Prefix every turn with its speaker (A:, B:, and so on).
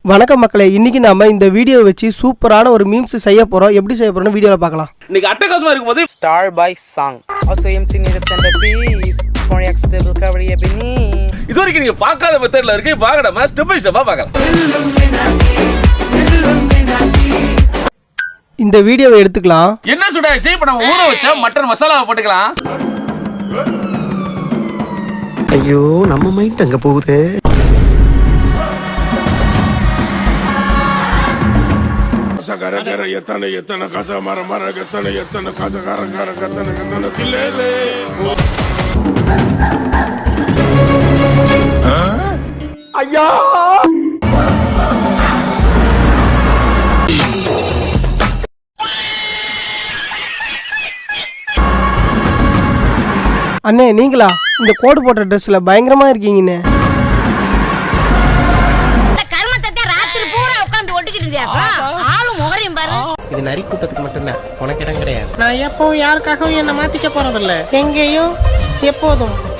A: வணக்கம் மக்களே, இன்னைக்கு நாம இந்த வீடியோ வச்சு சூப்பரான ஒரு மீம்ஸ் செய்ய போறோம். எப்படி செய்ய போறோம்னு வீடியோல பார்க்கலாம்.
B: இன்னைக்கு அட்டகாசமா இருக்கும்போது
C: Star by Song. Also empty need a centerpiece. For stable cover ebony.
B: இது வரைக்கும் நீங்க பார்க்காத மெத்தட்ல இருக்கு. பார்க்கணுமா ஸ்டெப் பை ஸ்டெப்பா பார்க்கலாம்.
A: இந்த வீடியோவை எடுத்துக்கலாம்.
B: என்ன சுடாச்சு? இப்ப நம்ம ஊற வச்ச மட்டன் மசாலாவை போட்டுக்கலாம்.
D: ஐயோ நம்ம மைண்ட் அங்க போகுது.
E: கர எத்தனை கதை மர எத்தனை கதை கர கத்தனை தில்லே
A: ஐயா அண்ணே, நீங்களா? இந்த கோட் போட்ட ட்ரெஸ்ல பயங்கரமா இருக்கீங்கண்ணே.
D: இது நரி கூட்டத்துக்கு மட்டும்தான், உனக்கு இடம் கிடையாது.
F: நான் எப்போ யாருக்காகவும் என்ன மாத்திக்க போறதில்ல, எங்கேயும் எப்போதும்.